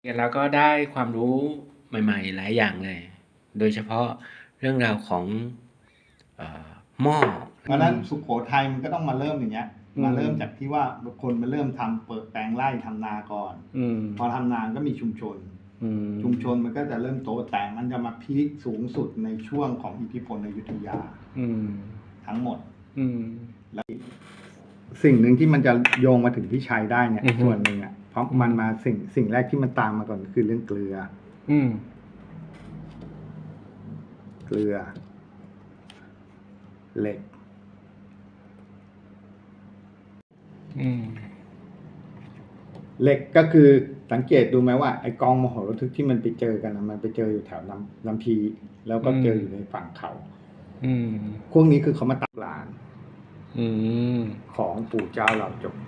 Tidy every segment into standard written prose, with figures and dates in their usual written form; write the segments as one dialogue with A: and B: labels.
A: แล้วก็ได้ความรู้ใหม่ๆหลายอย่างเลย โดยเฉพาะเรื่องราวของหม้อ
B: เพราะฉะนั้นสุโขทัยมันก็ต้องมาเริ่มอย่างเงี้ยมาเริ่มจากที่ว่าคนมาเริ่มทำเปิดแปลงไร่ทำนาก่อนพอทำนาก็มีชุมชนมันก็จะเริ่มโตแต่มันจะมาพีคสูงสุดในช่วงของอิทธิพลอยุธยาทั้งหมดแล้วสิ่งหนึ่งที่มันจะโยงมาถึงพี่ชัยได้เนี่ยส่วนหนึ่งอ่ะเพราะมันมาสิ่งแรกที่มันตามมาก่อนคือเรื่องเกลือเหล็กเหล็กก็คือสังเกตดูไหมว่าไอกองมโหฬารทึกที่มันไปเจอกันมันไปเจออยู่แถวลำพีแล้วก็เจออยู่ในฝั่งเขาพวกนี้คือเขามาตักลานของปู่เจ้าเหล่าจก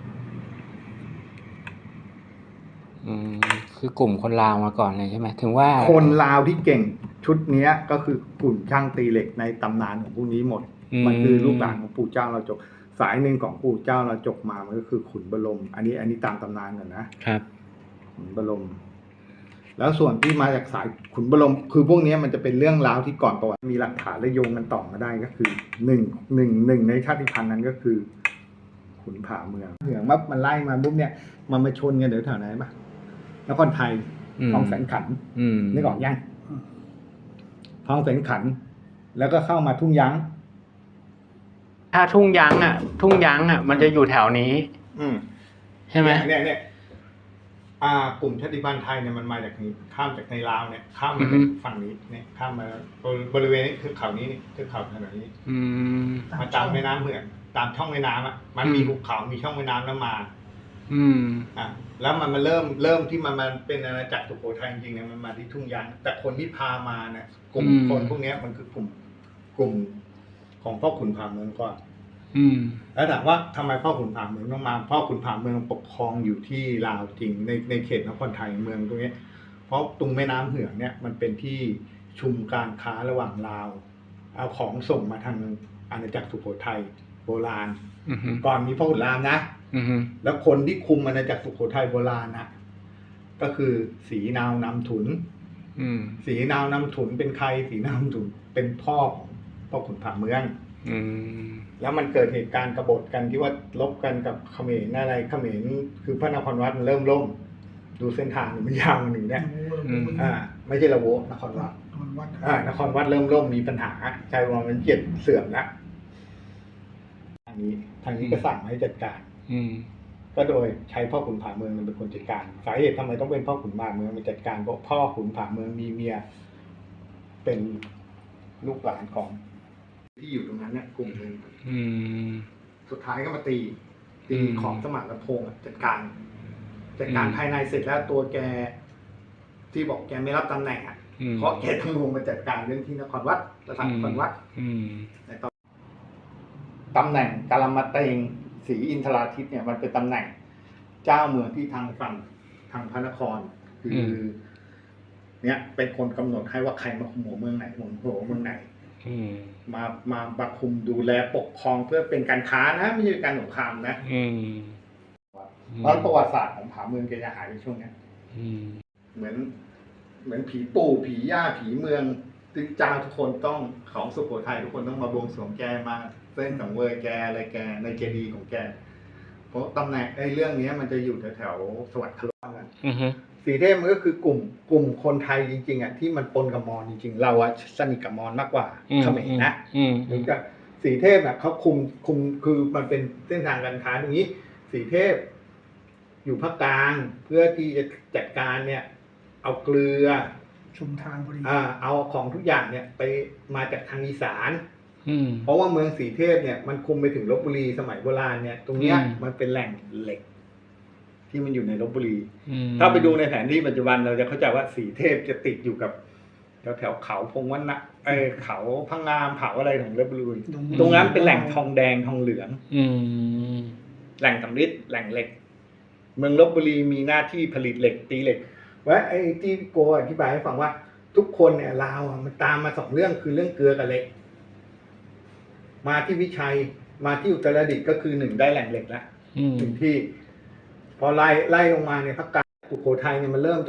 A: คือกลุ่มคนลาวมาก่อนเลยใช่ไหมถึงว่า
B: คนลาวที่เก่งชุดนี้ก็คือกลุ่มช่างตีเหล็กในตำนานของพวกนี้หมดมันคือลูกหลานของปู่เจ้าเหล่าจกสายหนึ่งของปู่เจ้าเหล่าจกมามันก็คือขุนบรมอันนี้ตามตำนานก่อนนะครับขุนบรมแล้วส่วนที่มาจากสายขุนบรมคือพวกนี้มันจะเป็นเรื่องราวที่ก่อนประวัติมีหลักฐานและโยงกันต่อมาได้ก็คือหนึ่งในชาติพันธุ์นั้นก็คือขุนผาเมืองมันไล่มาปุ๊บเนี่ยมันมาชนกันเดี๋ยวแถวไหนปะนครไทยคลองแสนขันนึกออกยังคลองแสนขันแล้วก็เข้ามาทุ่งยั้ง
A: ถ้าทุ่งยั้งมันจะอยู่แถวนี้ใช่ไหม
B: เนี่ยกลุ่มชาติพันธุ์ไทยเนี่ยมันมาจากนี้ข้ามจากในลาวเนี่ยข้ามมาเป็นฝั่งนี้เนี่ยข้ามมาบริเวณนี้คือเขานี้คือเขาถนนนี้มาตามแม่น้ำเหมือนตามช่องแม่น้ำมันมีภูเขามีช่องแม่น้ำแล้วมาแล้วมันมาเริ่มที่มันเป็นอาณาจักรสุโขทัยจริงๆเนี่ยมันมาที่ทุ่งยั้งแต่คนที่พามาเนี่ยกลุ่มคนพวกนี้มันคือกลุ่มของพ่อขุนผาเมืองก่อนแล้วถามว่าทำไมพ่อขุนผาเมืองต้องมาพ่อขุนผาเมืองปกครองอยู่ที่ลาวจริงในเขตนครไทยเมืองตรงนี้เพราะตรงแม่น้ำเหืองเนี่ยมันเป็นที่ชุมการค้าระหว่างลาวเอาของส่งมาทางอาณาจักรสุโขทัยโบราณก่อนมีพ่อขุนรามนะแล้วคนที่คุมอาณาจักรสุโขทัยโบราณนะก็คือศรีนาวนำถุนศรีนาวนำถุนเป็นใครศรีนาวนำถุนเป็นพ่อของพ่อขุนผาเมืองแล้วมันเกิดเหตุการณ์กบฏกันที่ว่าลบกันกับเขมรอะไรเขมรคือพระนครวัดมันเริ่มล่มดูเส้นทางมันยาวหนึ่งเนี่ยไม่ใช่ละโวนครวัดนครวัดเริ่มล่มมีปัญหาชายวังมันเกียรติเสื่อมแล้วทางนี้ก็สั่งให้จัดการก็โดยใช้พ่อขุนผาเมืองเป็นคนจัดการสาเหตุทำไมต้องเป็นพ่อขุนผาเมืองเป็นจัดการเพราะพ่อขุนผาเมืองมีเมียเป็นลูกหลานของที่อยู่ตรงนั้นเนี่ยกลุ่มหนึ่งสุดท้ายก็มาตีของสมานพงษ์จัดการภายในเสร็จแล้วตัวแกที่บอกแกไม่รับตำแหน่งเพราะแกต้องลงมาจัดการเรื่องที่นครวัดสถานนครวัดในตำแหน่งกาลมาเตงศรีอินทราทิตเนี่ยมันเป็นตำแหน่งเจ้าเมืองที่ทางฝั่งทางพระนครคือเนี่ยเป็นคนกำหนดให้ว่าใครมาคุมหัวเมืองไหนหัวเมืองไหนมาบัคุมดูแลปกครองเพื่อเป็นการค้านะไม่ใช่การสงครามนะเพราะประวัติศาสตร์ของผาเมืองแกจะหายในช่วงนี้เหมือนผีปู่ผีย่าผีเมืองซึ่งเจ้าทุกคนต้องของสุโขทัยทุกคนต้องมาบวงสรวงแกมาเส้นสังเวยแกอะไรแกในเจดีย์ของแกเพราะตำแหน่งเรื่องนี้มันจะอยู่แถวสวัสดิ์คลองกันสีเทพมันก็คือกลุ่มคนไทยจริงๆที่มันปนกับมอญจริงๆเราสนิทกับมอญมากกว่าเขมรนะเหมือนกับสีเทพเขาคุมคือมันเป็นเส้นทางการค้าตรงนี้สีเทพอยู่ภาคกลางเพื่อที่จะจัดการเนี่ยเอาเกลือ
C: ชุมทางพอดี
B: เอาของทุกอย่างเนี่ยไปมาจากทางอีสานเพราะว่าเมืองสีเทพเนี่ยมันคุมไปถึงลพบุรีสมัยโบราณเนี่ยตรงเนี้ยมันเป็นแหล่งเหล็กที่มันอยู่ในลพบุรีถ้าไปดูในแผนที่ปัจจุบันเราจะเข้าใจว่าสีเทพจะติดอยู่กับแถวเขาพงวัฒนะเขาพังงามเขาอะไรของลพบุรีตรงนั้นเป็นแหล่งทองแดงทองเหลืองแหล่งสำริดแหล่งเหล็กเมืองลพบุรีมีหน้าที่ผลิตเหล็กตีเหล็กว่าไอ้ที่โกอธิบายให้ฟังว่าทุกคนเนี่ยลาวมันตามมา2เรื่องคือเรื่องเกลือกับเหล็กมาที่วิชัยมาที่อุตรดิตถ์ก็คือ1ได้แหล่งเหล็กแล้ว1ที่พอไล่ลงมาเนี่ยภาคกลางสุโขทัยเนี่ยมันเริ่มจากพ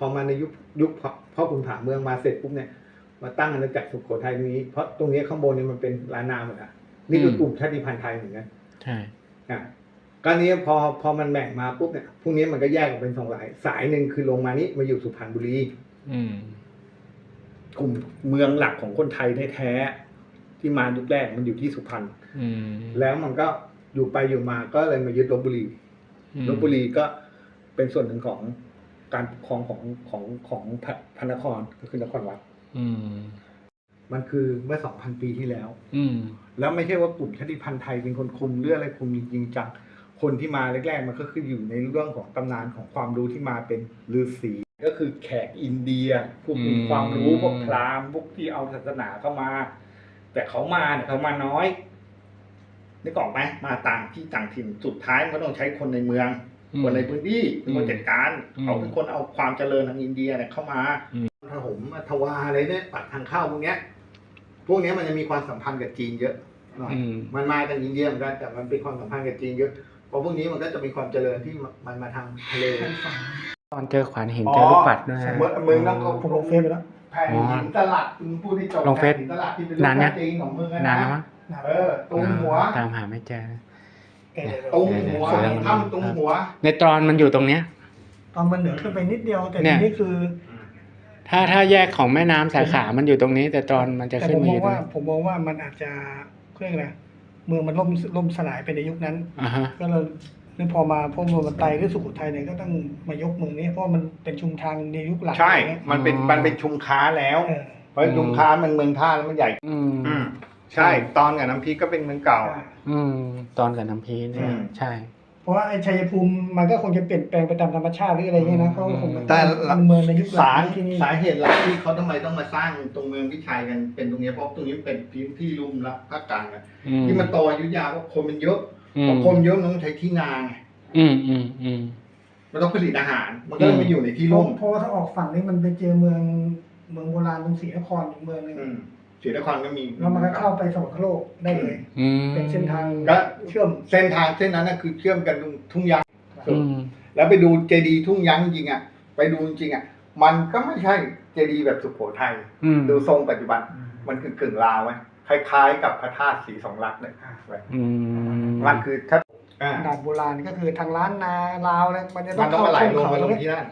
B: อมาในยุคพ่อขุนผาเมืองมาเสร็จปุ๊บเนี่ยมาตั้งอาณาจักรสุโขทัยตรงนี้เพราะตรงนี้ข้างบนเนี่ยมันเป็นล้านนาหมดอ่ะนี่คือกลุ่มชาติพันธุ์ไทยเหมือนกัน
A: ใช่
B: ก็นี้พอมันแบ่งมาปุ๊บเนี่ยพวกนี้มันก็แยกออกเป็นสายหนึ่งคือลงมานี้มาอยู่สุพรรณบุรี กลุ่มเมืองหลักของคนไทยแท้ๆที่มายุคแรกมันอยู่ที่สุพรรณแล้วมันก็อยู่ไปอยู่มาก็เลยมายึดลพบุรีลพบุรีก็เป็นส่วนหนึ่งของการปกครองของพระนครก็คือนครวัดมันคือเมื่อ 2,000 ปีที่แล้วแล้วไม่ใช่ว่ากลุ่มชาติพันธุ์ไทยเป็นคนคุมเรื่องอะไรคุมจริงจังคนที่มาแรกๆมันก็คืออยู่ในเรื่องของตำนานของความรู้ที่มาเป็นฤาษีก็คือแขกอินเดียพวกมีความรู้พวกพราหมณ์พวกที่เอาศาสนาเข้ามา แต่เขามาเนี่ยเขามาน้อยนึกออกไหมมาต่างที่ต่างถิ่นสุดท้ายมันก็ต้องใช้คนในเมืองคนในพื้นที่เป็นคนจัดการเขาเป็นคนเอาความเจริญทางอินเดียเนี่ยเข้ามาทหมทวาอะไรเนี่ยปักทางเข้าพวกเนี้ยมันจะมีความสัมพันธ์กับจีนเยอะหน่อยมันมาจากอินเดียเหมือนกันแต่มันเป็นความสัมพันธ์กับจีนเยอะเพราะพวกนี้มันก็จะมีความเจริญที่มันมาทางทะเล
A: ตอนเจอขวานหินเจอลูกปัดด้วยนะ
B: มึงต้องผมลงเฟซไปแล้วแผ่นหินตลัดมึงพูดที่จบ
A: ลงเฟซ
B: แผ่นหินตลัดที่เป็นรูปจริงของมึงนะ
A: นานแล้วมั้ง
B: ตุ้มหัว
A: ตามหาไม่เจอ
B: ตุ้มหัวถ้ำตุ้มหัว
A: ในตรอนมันอยู่ตรงเนี้ย
C: ตอนมันเหนือขึ้นไปนิดเดียวแต่
A: เนี่
C: ที
A: ย
C: นี้คือ
A: ถ้าแยกของแม่น้ำสาขามันอยู่ตรงนี้ แต่ตรอนมันจะ
C: แต่
A: ขึ้น
C: ผม
A: มาม
C: อ
A: อง ยู่ตรง
C: ว่า
A: นี้
C: ผมมองว่ามันอาจจะเรื่องอะไรเมืองมันล่มสลายไปในยุคนั้น
A: อ่าฮะ
C: ก็เลยนี่พอเมืองมันไตหรือสุโขทัยเนี่ยก็ต้องมายกเมืองนี้เพราะมันเป็นชุมทางในยุคหลัง
B: ใช่
C: อะไรเงี้ย
B: มันเป็นชุมค้าแล้ว
C: เออ
B: เพราะชุมค้ามันเมืองท่าแล้วมันใหญ่ ใช่ตอนกับน้ำพริกก็เป็นเมืองเก่า
C: ใช่
A: ตอนกับน้ำพีเนี่ยใช่
C: เพราะว่าไอ้ชัยภูมิมันก็คงจะเปลี่ยนแปลงไปตามธรรมชาติหรืออะไรเงี้ยนะเขาคง
B: แต่
C: มันเมืองในยุคหลังที่นี่
B: สาเหตุหลักที่เขาทำไมต้องมาสร้างตรงเมืองพิชัยกันเป็นตรงนี้เพราะตรงนี้เป็นพื้นที่ลุ่มละภาคกลางอะที่มันโตอยุธยาเพราะคนมันเยอะพอคนเยอะมันต้องใช้ที่นาไงมันต้องผลิตอาหาร มันก็เลยมาอยู่ในที่ลุ่ม
C: เพราะว่าถ้าออกฝั่งนี้มันไปเจอเมืองโบราณตรงศรีนครอีกเมืองหนึง
B: ศรีนครก็มี
C: แล้วมันก็เข้าไปสวรรคโลกได้เลย เป็นเส้นทาง
B: ก็
C: เชื่อม
B: เส้นทางเส้นนั้นน่ะคือเชื่อมกันตรงทุ่งยางแล้วไปดูเจดีย์ทุ่งยางจริงอ่ะไปดูจริงอ่ะมันก็ไม่ใช่เจดีย์แบบสุโขทัยดูทรงปัจจุบันมันคือกึ่งลาวไว้คล้ายๆกับพระธาตุศรีสองลักษณ์เลยมันคือถ้า
C: ด่านโบราณก็คือทางล้านนาลาวเนี่ยมันจะต้
B: มั
C: อน ง
B: ต้อง
C: เข้า
B: มาไหล
C: ช่อง
B: ลง
C: เขา
B: มาลง
C: เนี่ย
B: ที่นั่น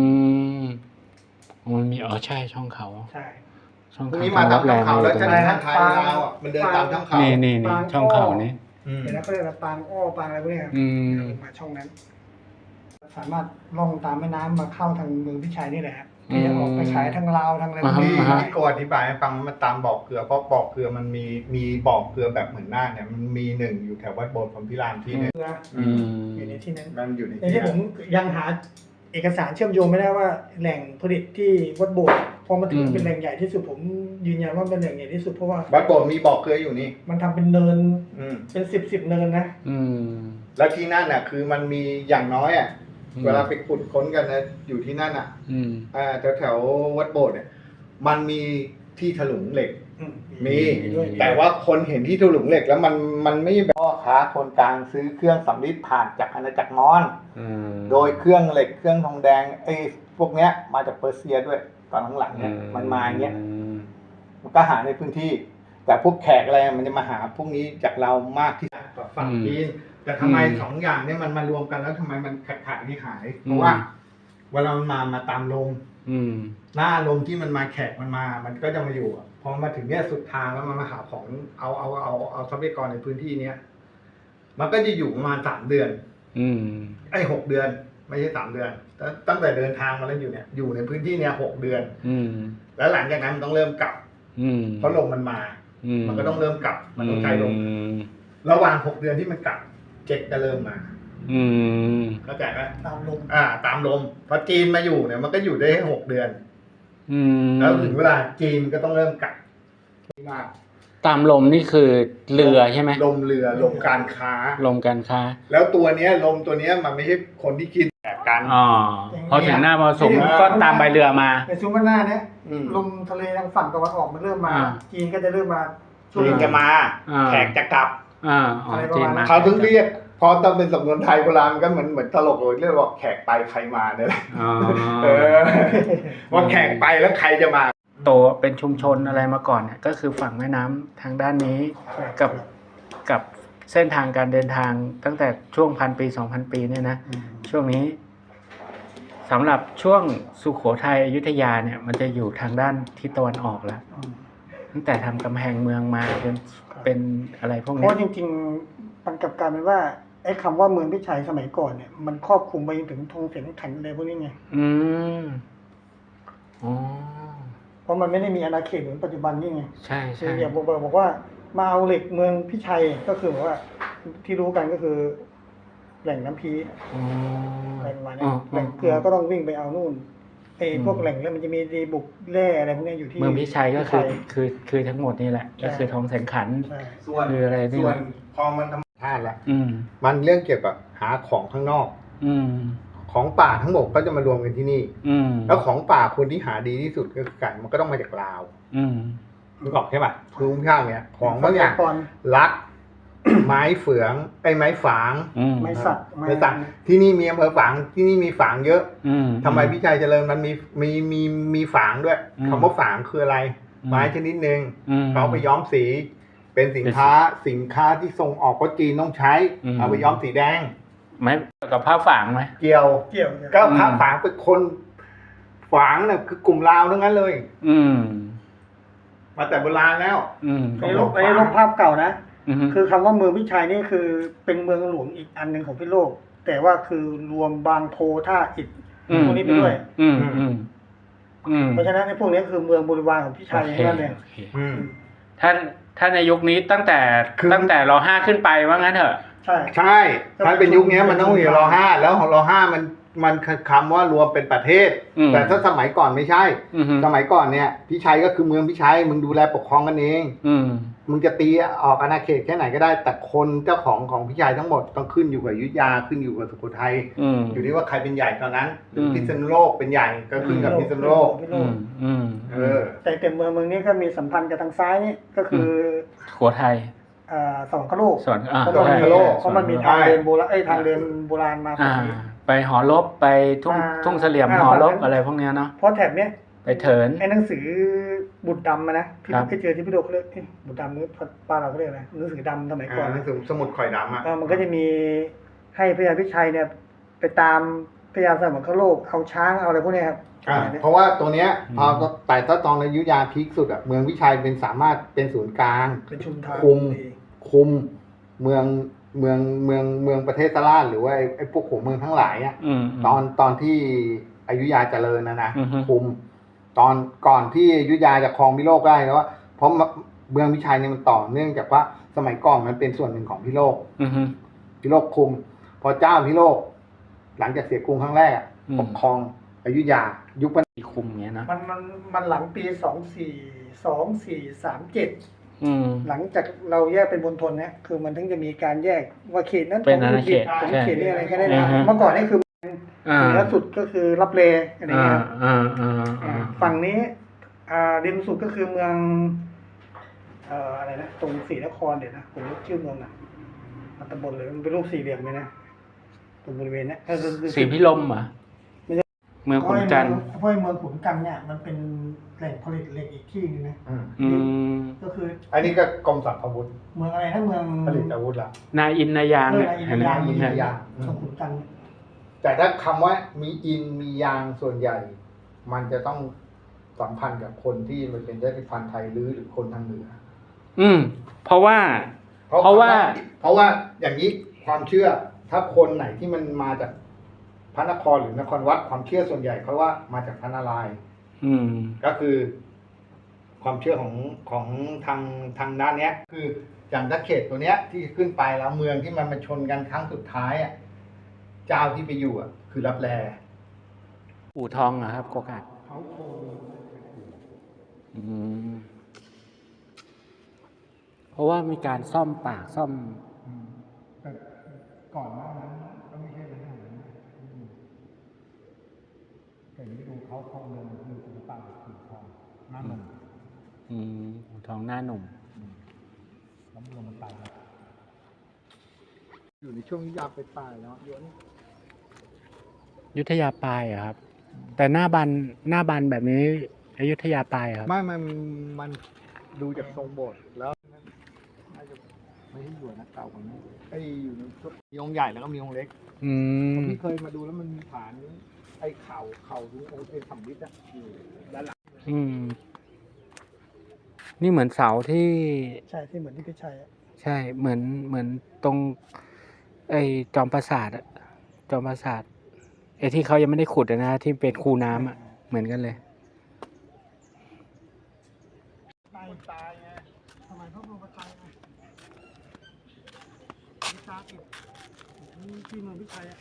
A: มันมีใช่ช่องเขา
C: ใช่
A: ช่อง
B: พวก
A: เขา
B: นี้มาตาม
A: แร
B: ถ้ำ
A: ม
B: เขา
A: อ
B: แล้ว
A: ยู่ตร
B: จะ
A: ง
B: มี
A: นี้
B: ท่านไทยลาวอ่ะมันเดินตามถ้ำเขา
A: นี่ช่องเขานี่
C: เดี๋ยวนะเขาเรียกว่าปางอ้อปางอะไรพวกเนี้ยมาช่องนั้น สามารถล่องตามแม่น้ำมาเข้าทางเมืองพิชัยนี่แหละที่จะออกไปขายทางลาวทางอะไรพวกนี้
B: ที่โกอธิบายให้ฟังมันตามบ่อเกลือเพราะบ่อเกลือมันมีบ่อเกลือแบบเหมือนหน้าเนี่ยมันมีหนึ่งอยู่แถววัดโบสถ์พรหมพิรามที่เนี่ย
C: อยู่ในที่นั้น
B: มันอยู่ใน
C: ในที่ผมยังหาเอกสารเชื่อมโยงไม่ได้ว่าแหล่งผลิตที่วัดโบสถ์พอมาถึงเป็นแหล่งใหญ่ที่สุดผมยืนยันว่าเป็นแหล่งใหญ่ที่สุดเพราะว่า
B: วัดโบสถ์มีบ่อเกลืออยู่นี่
C: มันทำเป็นเนินเป็นสิบเนินนะ
B: แล้วที่นั่นน่ะคือมันมีอย่างน้อยอ่ะเวลาไปขุดค้นกันนะอยู่ที่นั่นอ่ะแถววัดโบสถ์เนี่ยมันมีที่ถลุงเหล็กมีแต่ว่าคนเห็นที่ถลุงเหล็กแล้วมันไม่แบบพ่อค้าคนกลางซื้อเครื่องสำริดผ่านจากอาณาจักรมอญโดยเครื่องเหล็กเครื่องทองแดงไอ้พวกเนี้ยมาจากเปอร์เซียด้วยตอนหลังๆเนี่ยมันมาอย่างเงี้ยมันก็หาในพื้นที่ แต่พวกแขกอะไรมันจะมาหาพวกนี้จากเรามากที่ฝั่งจีนแต่ทำไมสองอย่างเนี่ยมันมารวมกันแล้วทำไมมันขาดที่หายเพราะว่าเวลามันมาตามลมหน้าลมที่มันมาแขกมันก็จะมาอยู่พอมาถึงเนี่ยสุดทางแล้วมันมาหาของเอาทรัพยากรในพื้นที่เนี้ยมันก็จะอยู่ประมาณ3 เดือน6 เดือนไม่ใช่3 เดือนตั้งแต่เดินทางมาแล้วอยู่เนี่ยอยู่ในพื้นที่เนี่ย6 เดือนแล้วหลังจากนั้นมันต้องเริ่มกลับเพราะลมมันมามันก็ต้องเริ่มกลับมันต้องใช้ลมระหว่าง6 เดือนที่มันกลับเจ็ดจะเริ่มมาเข้าใจไหมตามลมตามลมพอจีนมาอยู่เนี่ยมันก็อยู่ได้6 เดือนแล้วถึงเวลาจีนก็ต้องเริ่มกลับมาก
A: ตามลมนี่คือเรือใช่ไหม
B: ลมเรือลมการค้า
A: ลมการค้า
B: แล้วตัวเนี้ยลมตัวเนี้ยมันไม่ใช่คนที่คิดแบบกัน
A: พอถึงหน้ามรสุมก็ตามใบเรือมา
C: ในซูมาน่าเนี่ยลมทะเลทางฝั่งตะวันออกมันเริ่มมาจีนก็จะเริ่มมา
B: จีนจะมาแขกจะกลับ
A: จีนมา
B: เขาถึงเรียกพอตอนเป็นสำนวนไทยโบราณมันก็เหมือนตลกเลยเรียกว่าแขกไปใครมาเนี่ยแหละ
A: อ๋อ
B: ว่าแขกไปแล้วใครจะมา
A: โตเป็นชุมชนอะไรมาก่อนเนี่ยก็คือฝั่งแม่น้ำทางด้านนี้กับเส้นทางการเดินทางตั้งแต่ช่วง1,000 ปี 2,000 ปีเนี่ยนะช่วงนี้สำหรับช่วงสุโขทัยอยุธยาเนี่ยมันจะอยู่ทางด้านทิศตะวันออกแล้วตั้งแต่ทำกำแพงเมืองมาเป็นอะไรพวก
C: เพ
A: นี้
C: ราะจริงๆมันกลับกลายเป็นว่าไอ้คำว่าเมืองพิชัยสมัยก่อนเนี่ยมันครอบคลุมไปจนถึงธงเสียงขันอะไรพวกนี้ไง
A: อืมอ๋อ
C: เพราะมันไม่ได้มีอาณาเขตเหมือนปัจจุบันนี่ไง
A: ใช่
C: คือ
A: ใช่
C: อย่างบอกว่ามาเอาเหล็กเมืองพิชัยก็คือแบบว่าที่รู้กันก็คือ แหล่งน้ำพี
A: อ๋อ
C: อะไรประมาณนี้แหล่งเกลือก็ต้องวิ่งไปเอานู่นไอ้พวกแหล่งแล้วมันจะมีดีบุกแร่อะไรพวกนี้อยู่ที่
A: เมืองพิชัยก็คือ
C: พิชัย
A: คือทั้งหมดนี่แหละ ก็คือทองแสงขัน
C: ใช่
B: ส่วน
A: คืออะไรนี่
B: ส่วนพอมันธรรมชาติแล้ว
A: อืม
B: มันเรื่องเกี่ยวกับหาของข้างนอก
A: อืม
B: ของป่าทั้งหมดก็จะมารวมกันที่นี่
A: อืม
B: แล้วของป่าคนที่หาดีที่สุดก็คือไก่มันก็ต้องมาจากลาว
A: อืม
B: นึกออกใช่ป่ะคือข้างเนี่ยของบางอย่าง
C: ก่อน
B: ลัก ไม้เฟืองไม้ฝาง
A: อืม
C: ไม่สัก
B: ไม้สักที่นี่มีอำเภอฝางที่นี่มีฝางเยอะ
A: อืม
B: ทำไมพี่ชัยเจริญมันมีฝางด้วย
A: อืม
B: คำว่าฝางคืออะไร
A: อืม
B: ไม้ชนิดหนึ่ง
A: อืม
B: เขาไปย้อมสี เป็นสินค้าที่ส่งออกก็จีนต้องใช้
A: อืม
B: เอาไปย้อมสีแดง
A: ไม่กับผ้าฝางไหม
B: เกี่ยว
C: เกี่ยว
B: ก็พระฝางเป็นคนฝางเนี่ยคือกลุ่มลาวทั้งนั้นเลย
A: อืม
B: มาแต่โบราณแล้ว
A: อืม
C: ไอ้รูปภาพเก่านะ
A: อืม
C: คือคำว่าเมืองพิชัยนี่คือเป็นเมืองหลวงอีกอันหนึ่งของพิษณุโลก แต่ว่าคือรวมบางโพท่าอิฐพวกนี้ไปด้วย
A: อืมอืมอืม
C: เพราะฉะนั้นไอ้พวกนี้คือเมืองบริวารของพิชัย
A: โอเค
C: นั่นเอง
A: โอเค
B: อืม
A: ถ้าในยุคนี้ตั้งแต่
B: คือ
A: ตั้งแต่ร.5 ขึ้นไปว่างั้นเถอะ
C: ใช่
B: ใช่ ถ้าเป็นยุคนี้มันต้องมีร.5แล้วของร.5มันคำว่ารวมเป็นประเทศ
A: อืม
B: แต่ถ้าสมัยก่อนไม่ใช่
A: อืม
B: สมัยก่อนเนี่ยพิชัยก็คือเมืองพิชัยมึงดูแลปกครองกันเอง
A: อืม
B: มึงจะตีออกอาณาเขตแค่ไหนก็ได้ แต่คนเจ้าของพิชัยทั้งหมดต้องขึ้นอยู่กับอยุธยาขึ้นอยู่กับสุโขทัย
A: อืม
B: อยู่ที่ว่าใครเป็นใหญ่ตอนนั้นหรือ
A: อืม
B: พิษณุโลกเป็นใหญ่ก็ขึ้นกับพิษณุโลก
C: พิษณุ
A: อื
C: โล
A: ม
C: ก
A: อืม
C: แต่เมืองนี้ก็มีสัมพันธ์กับทางซ้ายนี่ก็คือ
A: ขัวไทย
C: สวรรคโลก
A: สวน
C: เพราะ
B: สวรรคโลก
C: มันมีทางเดินโบราณทางเดินโบราณมาฝั่
A: อ่า
C: งนี้
A: ไปหอลบไปทุ่งเสลี่ยมหอลบอะไรพวกเนี้ยเนาะ
C: เพราะแถบเนี้ย
A: ไปเถิน
C: ไอ้หนังสือบุตรดำนะที่
A: ครับ
C: ไปเจอที่พี่โดเขาเรียกบุตรดำนี่ป้านเราก็เรียกอะไรหนังสือดำสมัยก่อน
B: หนังสือสมุดข่อยดำอ่ะ
C: มันก็จะมีให้พระยาพิชัยเนี่ยไปตามพระยาสวรรคโลกเอาช้างเอาอะไรพวกเนี้ยครับ
B: เพราะว่าตัวเนี้ยพอแต่ถ้าตอนอยุธยาพีคสุดอ่ะเมืองพิชัยเป็นสามารถเป็นศูนย์กลาง
C: เป็นชุมทาง
B: คุมเมืองประเทศตะล่านหรือว่าไอ้พวกหัวเมืองทั้งหลายอ่ะ
A: อืม
B: ตอนที่อยุธยาเจริญนะ
A: อือฮึ
B: คุมตอนก่อนที่อยุธยาจะครองพิโลกได้แล้วว่าเพราะเมืองพิชัยเนี่ยมันต่อเนื่องจากว่าสมัยก่อนมันเป็นส่วนหนึ่งของพิโลก
A: อืม
B: พิโลกคุม พอเจ้าพิโลก หลังจากเสียกรุงครั้งแรกอะ
A: อืม
B: ปกครองอยุธยายุคปัจ
A: ที่คุมเงี้ยนะ
C: มันหลังปี2437
A: อืม
C: หลังจากเราแยกเป็นมณฑลเนี่ยคือมันถึงจะมีการแยกว่าเขตนั้น
A: เป็นอาณาเขต
C: ของ
A: ใช่
C: เขตนี่อะไรแค่นั้น
A: อือฮึ
C: เมื่อก่อนนี่คือ
A: อ่า
C: เหนือสุดก็คือรับเลอะไร
A: อ่า
C: เงี้ย ฝั่งนี้ริมสุดก็คือเมืองอะไรนะตรงศรีนครเดี๋ยวนะผมรู้ชื่อเมืองนะมันตำบลเลยมันเป็นรูปสี่เหลี่ยมเลยนะตรงบริเวณเนี้ย
A: สีพิลมเหรอเมืองขุนจันทร์
C: เพราะเมืองขุนกันเนี่ยมันเป็นแหล่งผลิตเหล็กอีกที่นึงนะ
A: อืม
C: ก็คือ
B: อันนี้ก็กรมสรรพาวุธ
C: เมืองอะไรนะเมือง
B: ผลิตอาวุธละ
A: นาอินนายาง
C: เออ
A: เนี่ย
C: อิน
A: เห็นไหม
C: ยาง
B: อินยาง
C: ตรงขุนกัน
B: แต่ถ้าคำว่ามีอินมียางส่วนใหญ่ มันจะต้องสัมพันธ์กับคนที่มันเป็นชาติพันธุ์ไทยหรือคนทางเหนือ
A: อืม เพราะว่า เพราะว่า
B: อย่างนี้ความเชื่อถ้าคนไหนที่มันมาจากพระนครหรือนครวัดความเชื่อส่วนใหญ่เขาว่ามาจากพระนารายณ์
A: อืม
B: ก็คือ ความเชื่อของทางด้านเนี้ย คืออย่างถ้าเขตตัวเนี้ย ที่ขึ้นไปแล้วเมืองที่มันมาชนกันครั้งสุดท้ายอ่ะเจ้าที่ไปอยู่อ่ะ คือรับแล
A: อู่ทองเหรอครับโกกาด
C: เขาโค
A: อืม เพราะว่ามีการซ่อมปากซ่อม
B: แต่ก่อนหน้านั้นก็ไม่ใช่เรื่องนั้นแต่นี้ดูเขาคลองเมืองคือศิลปะสีทองหน้าหนุ่ม
A: อืมอู่ทองหน้าหนุ่ม
B: แล้วเมืองมันตายอยู่ในช่วงที่ยาไปตายแล้วเยอะนี่
A: ยุทธยาปลายเหรอครับ แต่หน้าบันแบบนี้อยุธยาปลายเหรอครับ
B: ไม่มันดูจากทรงโบสถ์แล้วน่าจะไม่ได้อยู่นะเก่ากว่านี้ไอ้อยู่ในชุดมีองค์ใหญ่แล้วก็มีองค์เล็ก
A: อืม
B: พี่เคยมาดูแล้วมันมีฐานไอ้เข่าตรงองค์ไอ้สำริดอะอยู่ด้านหลัง
A: อืม นี่เหมือนเสาที่
C: ใช่ที่เหมือนที่พี่ชัยอะ
A: ใช่เหมือนตรง ไอ้จอมปราสาทอะจอมปราสาทไอ้ที่เขายังไม่ได้ขุดอะนะที่เป็นคูน้ำอะเหมือนกันเลย
C: ตายไงทำไมเขาบอกว่าตายไงมีตาติดนี่ที่เมืองพี่ชัยอะ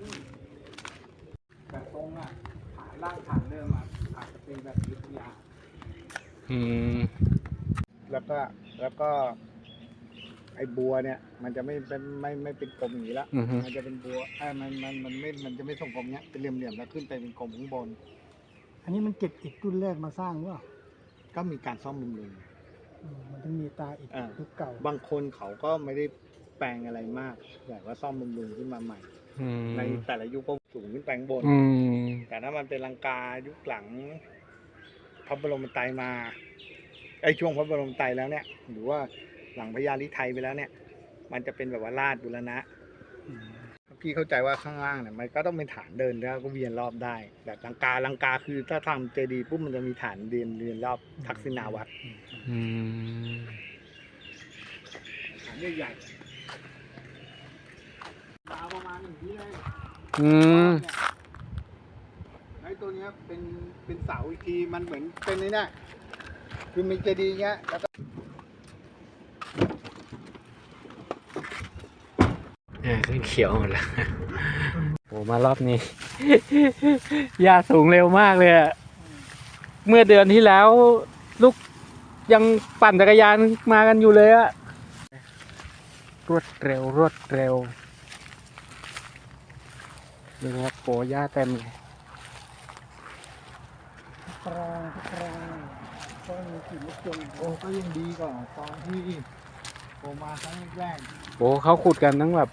B: แต่ตรงอะฐานร่างฐานเดิมอะอาจจะเป็นแบบยุทธยา
A: อืม
B: แล้วก็ไอ้บัวเนี่ย มันจะไม่เป็นกลมอย่างนี้ละ
A: อือฮึ
B: มันจะเป็นบัวมันจะไม่ทรงกลมเนี้ยเป็นเหลี่ยมๆแล้วขึ้นไปเป็นกลมข้างบน
C: อันนี้มันเก็บอิฐรุ่นแรกมาสร้างหรือเปล่า
B: ก็มีการซ่อมบำรุง
C: มันต้องมีตาอิฐ
B: อ่า
C: ยุคเก่า
B: บางคนเขาก็ไม่ได้แปลงอะไรมากแต่ว่าซ่อมบำรุงขึ้นมาใหม่
A: อืม
B: ในแต่ละยุคก็สูงขึ้นไปข้างบน
A: อืม
B: แต่ถ้ามันเป็นลังกายุคหลังพระบรมไตรมาไอ้ช่วงพระบรมไตรแล้วเนี่ย หรือว่าหลังพญาลิไทยไปแล้วเนี่ย มันจะเป็นแบบว่าลาดบุรณะพี่เข้าใจว่าข้างล่างเนี่ยมันก็ต้องเป็นฐานเดินแล้วก็เวียนรอบได้แบบลังกาคือถ้าทำเจดีย์ปุ๊บมันจะมีฐานเรียนรอบทักษิณาวัด
A: อืม
B: ฐานใหญ่ๆยาวประมาณอย่างนี้เลย
A: อืม
B: ไอ้ตัวเนี้ยเป็นเสาอีกทีมันเหมือนเป็นนี่นะคือมีเจดีย์เงี้ยแล้วก็
A: ขึ้นเขียวหมดแล้ว โหมารอบนี้ หญ้าสูงเร็วมากเลยอะเมื่อเดือนที่แล้ว ลูกยังปั่นจักรยานมากันอยู่เลยอะรวดเร็วนี่ครับโปหญ้าเต็มเลย
C: กรองก็มีกลิ่นมะเขือ
B: โอ้ก็ยังดีกว่าตอนที่ผมมาครั้งแรก
A: โหเขาขุดกันทั้งแบบ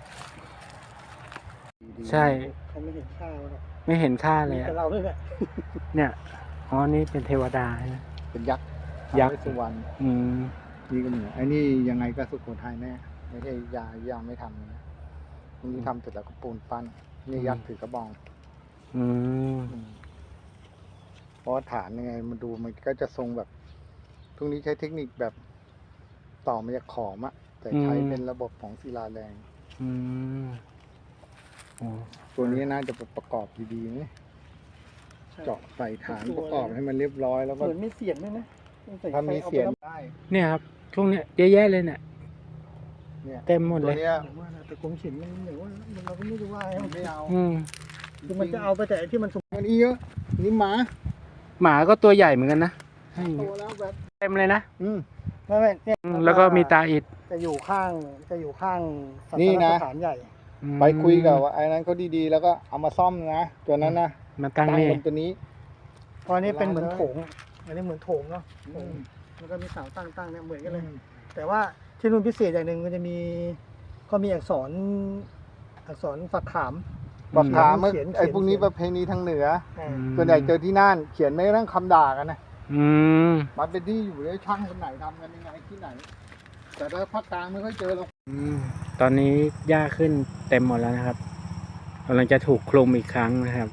A: ใช่
C: เขาไม่เห็นข้าวหรอก
A: ไม่เห็นค่าเล
C: มี
A: ยอะ
C: แต่เราด้วยแหละ
A: เนี่ย อ๋อ นี่เป็นเทวดาใช่ไหม
B: เป็นยักษ์
A: ยักษ์
B: ท้าวเวสสุวรรณ
A: อืม
B: นี่ก็เหมือนไอ้นี่ยังไงก็สุโขทัยแน่ไม่ใช่ยังไม่ทำนะอันนี้ทำเสร็จแล้วก็ปูนปั้นนี่ยักษ์ถือกระบอง
A: อืม
B: เพราะว่าฐานยังไงมันดูมันก็จะทรงแบบทุกนี้ใช้เทคนิคแบบต่อมาจากขอมอะแต่ใช้
A: อืม
B: เป็นระบบของศิลาแรง
A: อืมโอ้
B: ตัวนี้น่าจะประกอบดีๆนะเจาะใส่ฐานประกอบให้มันเรียบร้อยแล้วก็
C: เหมือนมีเสียงด้วยนะต้องใส่
B: ถ้ามีเสียง
C: ใคร
B: ได้
A: เนี่ยครับ ช่วงเนี้ยเยอะแยะเลยเนี่ย
B: เนี่ย
A: เต็มหมด
B: ตั
A: เล
B: วย เนี้ย
C: เอาว่านะแต่กรมศิลป์มันเหมือนว่าเราก็ไม่รู้ว่า
B: มันไม่เอา
A: อืม
C: คือมันจะเอาไปแต่ไอ้ที่มันสม
B: อันนี้เยอะนี่หมา
A: หมาก็ตัวใหญ่เหมือนกันนะให้
B: โตแล้วแบบ
A: เต็มเลยนะ
C: ไม่เนี่ย
A: แล้วก็มีตาอิฐ
C: จะอยู่ข้างศาส
B: นี่นะ
C: สถานใหญ่
A: อืม
B: ไปคุยกับว่าไอ้นั้นเขาดีๆ แล้วก็เอามาซ่อมนะตัวนั้นนะ
A: มาตั้งนี่
B: บนตัวนี้
C: เพราะอันนี้เป็นเหมือนโถงอันนี้เหมือนโถงเนาะ
B: อืม
C: แล้วก็มีเสาตั้งเนี่ยเหมือนกันเลย แต่ว่าที่นู่นพิเศษอย่างหนึ่งมันจะมีก็มีอักษรฝักขาม
B: บอกถามว่า
C: เขียน
B: ไอ้พวกนี้ประเพณีทางเหนือ
C: อ่า
B: ส่วนใหญ่เจอที่น่านเขียนไม่กระทั่งคำด่ากันนะ
A: อืม
B: มันเป็นที่อยู่เลยช่างคนไหนทำกันยังไงที่ไหน แต่ถ้าภาคกลางไม่ค่อยเจอหรอก
A: อืม ตอนนี้หญ้าขึ้นเต็มหมดแล้วนะครับกำลังจะถูกคลุมอีกครั้งนะครับ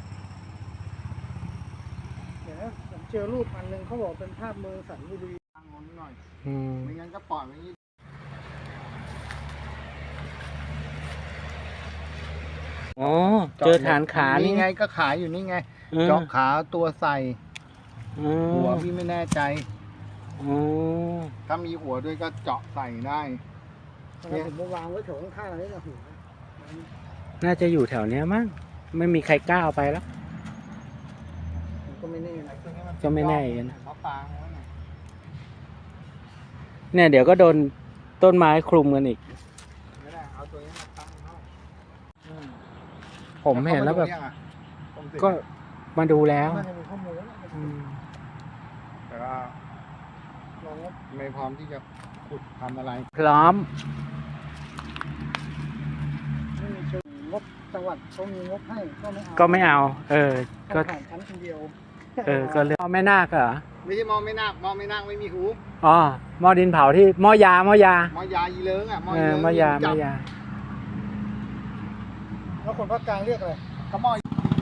C: เดี๋ยวนะผมเจอรูปอันหนึงเขาบอกเป็นภาพเมืองสันบุรี
B: ทางงนหน่อย
A: อืม
B: ไม่งั้นก็ปล่อยไว้อย่างนี้
A: อ๋อ เจอฐานขานี่
B: ไงก็ขายอยู่นี่ไง
A: อืม
B: เจาะขาตัวใส่
A: อืม
B: หัวพี่ไม่แน่ใจ
A: อ๋อ
B: ถ้ามีหัวด้วยก็เจาะใส่ได้
C: แล้วผมมาวางไว้แถวข้างๆนี่นะหัว
A: น่าจะอยู่แถวเนี้ยมั้ง ไม่มีใครกล้าเอาไปแล้ว
C: ผมก็ไม่แน่นะ
A: ก็ไม่แน่อีกนะ
B: เขาปางไว้น่ะ
A: เนี่ยเดี๋ยวก็โดนต้นไม้คลุมกันอีก
B: ไม่ได้เอาตัวนี้มาตั้งเข้า
A: ผมเห็นแล้วแบบ
B: เขามาดูยังอะผมสิ
A: ก็มาดูแล้ว
C: น่าจะมีข้อมูลแล้ว
A: อืม
B: แต่ว่า
C: ลองว่า
B: ไม่พร้อมที่จะขุดทำอะไร
A: พร้อม
C: จังหวัดเขามีงบให้ก็ไม่เอา
A: ก็ไม่เอา ก็
C: ผ่านชั้นคนเดียว
A: ก็เรื่องหม้อแม่นาคเหรอ
B: ไม่ใช่หมอไม่นาคหมอไม่นาคไม่มีหู
A: อ๋อหม้อดินเผาที่หม้อยา
B: หมอยาอีเลิงอ่ะหมอ
A: เอ
B: อี
A: อ
B: เลิง
A: หม้อยา
B: จับ
C: แล้วคนภาคกลางเรียกอะไร
B: ก็หมอ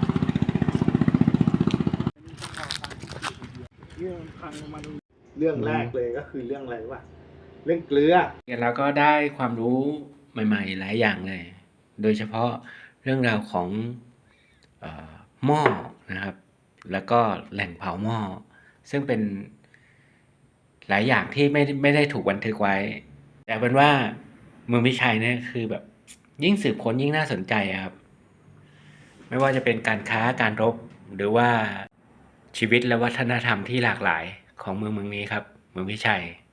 C: เรื่องพังลงมาดู
B: เรื่องแรกเลยก็คือเรื่องอะไรวะเรื่องเกลือ
A: แล้วก็ได้ความรู้ใหม่ๆหลายอย่างเลย โดยเฉพาะเรื่องราวของหม้อนะครับ แล้วก็แหล่งเผาหม้อ ซึ่งเป็นหลายอย่างที่ไม่ได้ถูกบันทึกไว้ แต่เป็นว่าเมืองพิชัยเนี่ยคือแบบยิ่งสืบค้นยิ่งน่าสนใจอะครับ ไม่ว่าจะเป็นการค้าการรบหรือว่าชีวิตและวัฒนธรรมที่หลากหลายของเมืองนี้ครับ เมืองพิชัย